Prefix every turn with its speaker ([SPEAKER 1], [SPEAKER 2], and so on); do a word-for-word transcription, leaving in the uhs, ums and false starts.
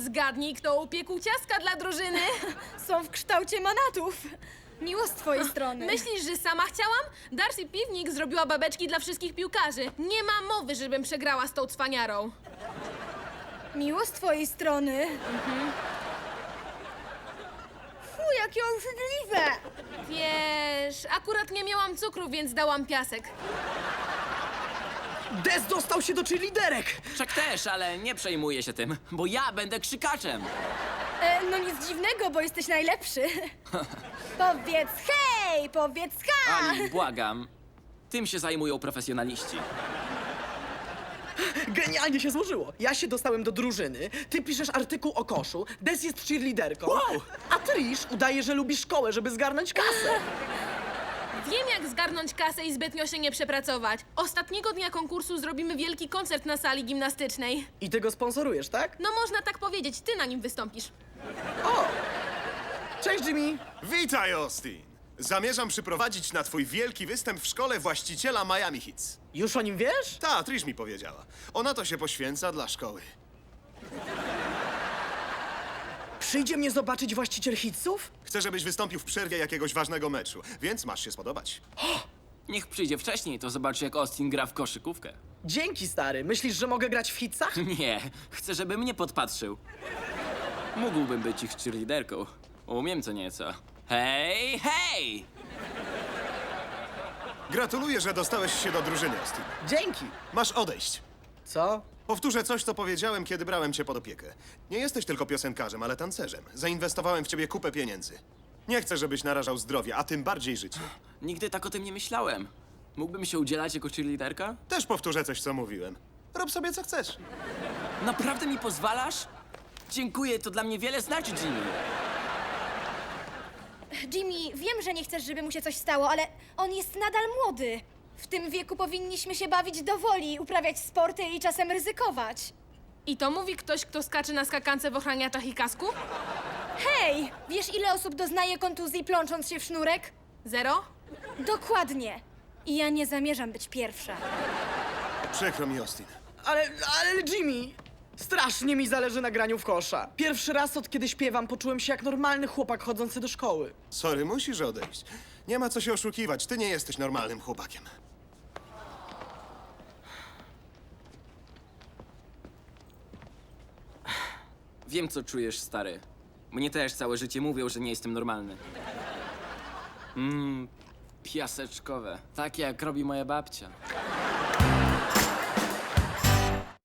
[SPEAKER 1] Zgadnij, kto upiekł ciastka dla drużyny.
[SPEAKER 2] Są w kształcie manatów. Miło z twojej strony.
[SPEAKER 1] Myślisz, że sama chciałam? Darcy Piwnik zrobiła babeczki dla wszystkich piłkarzy. Nie ma mowy, żebym przegrała z tą cwaniarą.
[SPEAKER 2] Miło z twojej strony. Mhm. Fu, jakie obrzydliwe!
[SPEAKER 1] Wiesz, akurat nie miałam cukru, więc dałam piasek.
[SPEAKER 3] Des dostał się do cheerleaderek!
[SPEAKER 4] Czak też, ale nie przejmuję się tym, bo ja będę krzykaczem.
[SPEAKER 2] E, no nic dziwnego, bo jesteś najlepszy. Powiedz hej, powiedz ha!
[SPEAKER 4] Ali, błagam. Tym się zajmują profesjonaliści.
[SPEAKER 3] Genialnie się złożyło. Ja się dostałem do drużyny, ty piszesz artykuł o koszu, Des jest cheerleaderką,
[SPEAKER 4] Wow!
[SPEAKER 3] a Trish udaje, że lubi szkołę, żeby zgarnąć kasę.
[SPEAKER 1] Wiem, jak zgarnąć kasę i zbytnio się nie przepracować. Ostatniego dnia konkursu zrobimy wielki koncert na sali gimnastycznej.
[SPEAKER 3] I ty go sponsorujesz, tak?
[SPEAKER 1] No można tak powiedzieć, ty na nim wystąpisz.
[SPEAKER 3] O! Cześć, Jimmy!
[SPEAKER 5] Witaj, Austin! Zamierzam przyprowadzić na twój wielki występ w szkole właściciela Miami Hits.
[SPEAKER 3] Już o nim wiesz?
[SPEAKER 5] Ta, Trish mi powiedziała. Ona to się poświęca dla szkoły.
[SPEAKER 3] Przyjdzie mnie zobaczyć właściciel hitsów?
[SPEAKER 5] Chcę, żebyś wystąpił w przerwie jakiegoś ważnego meczu, więc masz się spodobać.
[SPEAKER 4] Niech przyjdzie wcześniej, to zobaczy, jak Austin gra w koszykówkę.
[SPEAKER 3] Dzięki, stary. Myślisz, że mogę grać w hitsach?
[SPEAKER 4] Nie, chcę, żeby mnie podpatrzył. Mógłbym być ich cheerleaderką. Umiem co nieco. Hej, hej!
[SPEAKER 5] Gratuluję, że dostałeś się do drużyny, Austin.
[SPEAKER 3] Dzięki!
[SPEAKER 5] Masz odejść.
[SPEAKER 3] Co?
[SPEAKER 5] Powtórzę coś, co powiedziałem, kiedy brałem cię pod opiekę. Nie jesteś tylko piosenkarzem, ale tancerzem. Zainwestowałem w ciebie kupę pieniędzy. Nie chcę, żebyś narażał zdrowie, a tym bardziej życie.
[SPEAKER 4] Nigdy tak o tym nie myślałem. Mógłbym się udzielać jako cheerleaderka?
[SPEAKER 5] Też powtórzę coś, co mówiłem. Rób sobie, co chcesz.
[SPEAKER 4] Naprawdę mi pozwalasz? Dziękuję, to dla mnie wiele znaczy, Jimmy.
[SPEAKER 2] Jimmy, wiem, że nie chcesz, żeby mu się coś stało, ale on jest nadal młody. W tym wieku powinniśmy się bawić do woli, uprawiać sporty i czasem ryzykować.
[SPEAKER 1] I to mówi ktoś, kto skacze na skakance w ochraniaczach i kasku?
[SPEAKER 2] Hej, wiesz ile osób doznaje kontuzji plącząc się w sznurek?
[SPEAKER 1] Zero?
[SPEAKER 2] Dokładnie. I ja nie zamierzam być pierwsza.
[SPEAKER 5] Przykro mi, Austin.
[SPEAKER 3] Ale, ale Jimmy! Strasznie mi zależy na graniu w kosza. Pierwszy raz od kiedy śpiewam poczułem się jak normalny chłopak chodzący do szkoły.
[SPEAKER 5] Sorry, musisz odejść. Nie ma co się oszukiwać, ty nie jesteś normalnym chłopakiem.
[SPEAKER 4] Wiem, co czujesz, stary. Mnie też całe życie mówią, że nie jestem normalny. Mmm, piaseczkowe. Tak jak robi moja babcia.